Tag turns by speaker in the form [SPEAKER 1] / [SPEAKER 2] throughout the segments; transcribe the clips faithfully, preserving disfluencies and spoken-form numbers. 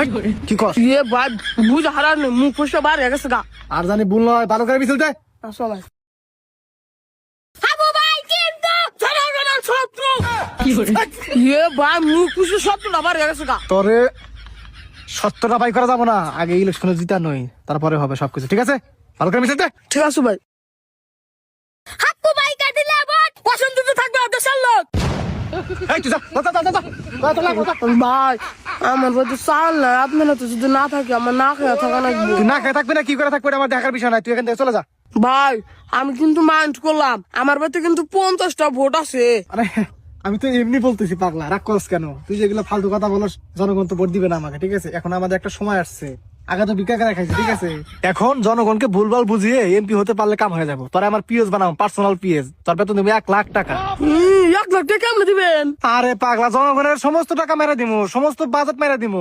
[SPEAKER 1] কি কর
[SPEAKER 2] ইয়ে ভাই বুঝ হারার নেই মুখ ফুসে বার হয়ে গেছে গা।
[SPEAKER 1] আর জানি ভুল নয়, ভালো করে মিছিল দে।
[SPEAKER 2] আসো ভাই। হাবু ভাই কিন্তু জনগণের শত্রু। ইয়ে ভাই মুখ ফুসে শত্রু বার হয়ে গেছে গা।
[SPEAKER 1] তোরে সত্যটা বাই করা যাবো না, আগে ইলেকশনে জিতা নই, তারপরে হবে সবকিছু। ঠিক আছে, ভালো করে মিছিল দে।
[SPEAKER 2] ঠিক আছে ভাই। হাবু ভাই কাটিলে ভোট পছন্দ তো থাকবে দেশের লোক।
[SPEAKER 1] এই তুই যা, যা, যা, যা, যা। যা, চলে আয়, যা।
[SPEAKER 2] ভাই আমার বাড়িতে চাল নাই, আপনারা তো যদি না থাকে আমার না খেয়ে থাকা লাগবে।
[SPEAKER 1] তুই না খেয়ে থাকবি না কি করে থাকবি এটা আমার দেখার বিষয় নাই, তুই এখান থেকে চলে যা।
[SPEAKER 2] ভাই আমি কিন্তু মাইন্ড করলাম, আমার বাড়িতে কিন্তু পঞ্চাশটা ভোট আছে।
[SPEAKER 1] আরে আমি তো এমনি বলতেছি, পাগলা রাগ করস কেন? তুই যেগুলো ফালতু কথা বলস, জনগণ তো ভোট দিবে না আমাকে। ঠিক আছে, এখন আমাদের একটা সময় আসছে, আগে তো ভিক্ষা করে খাইছি। ঠিক আছে, এখন জনগণকে ভুলভাল বুঝিয়ে এমপি হতে পারলে কাম হয়ে যাবো। তোরা আমার পিএস বানাও, পার্সোনাল পিএস, তোর বেতন দেবে এক লাখ টাকা।
[SPEAKER 2] হম, এক লাখ টাকা কেমন দিবেন?
[SPEAKER 1] আরে পাগলা, জনগণের সমস্ত টাকা মেরে দিমু, সমস্ত বাজেট মেরে দিমু।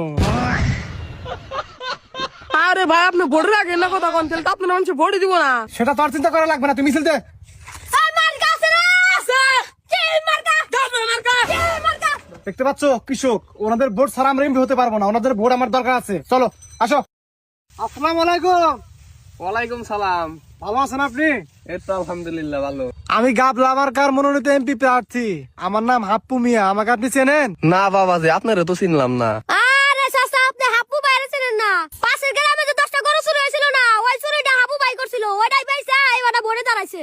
[SPEAKER 2] আরে ভাই আপনি ভোটের আগে না কথা কোন, তাহলে তো আপনার মানুষ ভোটই দিব না।
[SPEAKER 1] সেটা তোর চিন্তা করা লাগবে না, তুই মিছিল দে। দেখতে পাচ্ছ কৃষক, ওনাদের ভোট ছাড়া আমরা এমপি হতে পারবো না, ওনাদের ভোট আমার দরকার আছে। চলো আসো। আসসালামু আলাইকুম।
[SPEAKER 3] ওয়ালাইকুম সালাম।
[SPEAKER 1] ভালো আছেন আপনি?
[SPEAKER 3] এই তো আলহামদুলিল্লাহ ভালো।
[SPEAKER 1] আমি গাবলা মার্কার মনোনীত এমপি প্রার্থী, আমার নাম হাপ্পু মিয়া, আমাকে আপনি চেনেন?
[SPEAKER 3] না বাবাজি, আপনারা তো চিনলাম না।
[SPEAKER 4] আরে চাচা আপনি হাপু বাইরে ছিলেন না? পাশের গ্রামে যে দশটা গরু চুরি হয়েছিল না, ওই চুরিটা হাপু বাই করছিল, ওইটাই পাইছে, ওটা ভরে দাঁড়াইছে।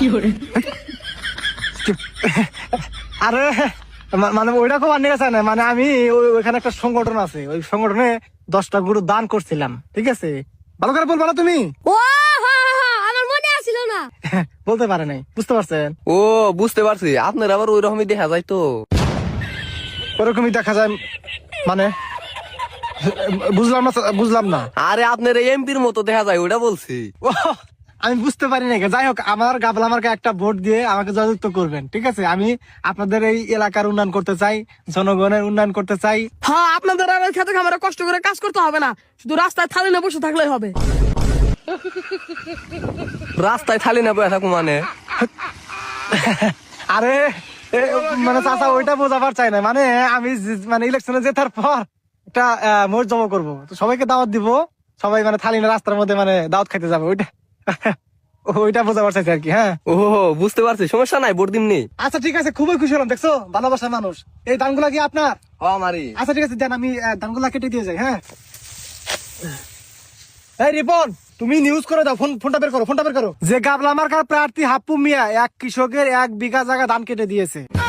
[SPEAKER 1] আরে মা- মানে ওইটা খুব আন্নি গেছে না, মানে আমি ওই- ওইখানে একটা সংগঠন আছে, ওই সংগঠনে দশটা গরু দান করছিলাম। ঠিক আছে, ভালো করে বলবো না তুমি?
[SPEAKER 4] ও হা হা, আমার মনে আসছিল না।
[SPEAKER 1] বলতে পারে নাই, বুঝতে পারছেন?
[SPEAKER 3] ও বুঝতে পারছি, আপনার আবার ওই রকমই দেখা যায় তো।
[SPEAKER 1] ওরকমই দেখা যায় মানে? বুঝলাম না, বুঝলাম না।
[SPEAKER 3] আরে আপনার এমপির মতো দেখা যায়, ওটা বলছি।
[SPEAKER 1] ও, আমি বুঝতে পারি না। যাই হোক, আমার গাবলা আমাকে একটা ভোট দিয়ে আমাকে জয়যুক্ত করবেন। ঠিক আছে, আমি আপনাদের এই এলাকার উন্নয়ন করতে চাই, জনগণের উন্নয়ন করতে চাই।
[SPEAKER 2] হ্যাঁ আপনাদের আর এই খেতে খামারে কষ্ট করে কাজ করতে হবে না, শুধু রাস্তায় থালি না বসে থাকলেই হবে।
[SPEAKER 3] রাস্তায় থালি না বয়ে থাকো মানে?
[SPEAKER 1] আরে এ, মানে চাচা ওইটা বোঝাবার চাই না, মানে আমি যে- মানে ইলেকশনে জেতার পর একটা মোট জমা করবো, তো সবাইকে দাওয়াত দিব, সবাই মানে থালি না রাস্তার মধ্যে মানে দাওয়াত খাইতে যাবে, ওইটা ওইটা বোঝাবার চাইছি আর কি। হ্যাঁ
[SPEAKER 3] ও বুঝতে পারছি, সমস্যা নাই, ভোট দিমনি।
[SPEAKER 1] আচ্ছা ঠিক আছে, খুবই খুশি হলাম। দেখছো ভালোবাসার মানুষ। এই ধানগুলা কি আপনার?
[SPEAKER 3] ও আমারই।
[SPEAKER 1] আচ্ছা ঠিক আছে, দেন আমি আহ, ধানগুলা কেটে দিয়ে যাই। হ্যাঁ, এই রিপন, তুমি নিউজ করে দাও, ফোন ফোনটা বের করো, ফোনটা বের করো। যে গাবলা মার্কার প্রার্থী হাপ্পু মিয়া এক কৃষকের এক বিঘা জায়গা ধান কেটে দিয়েছে।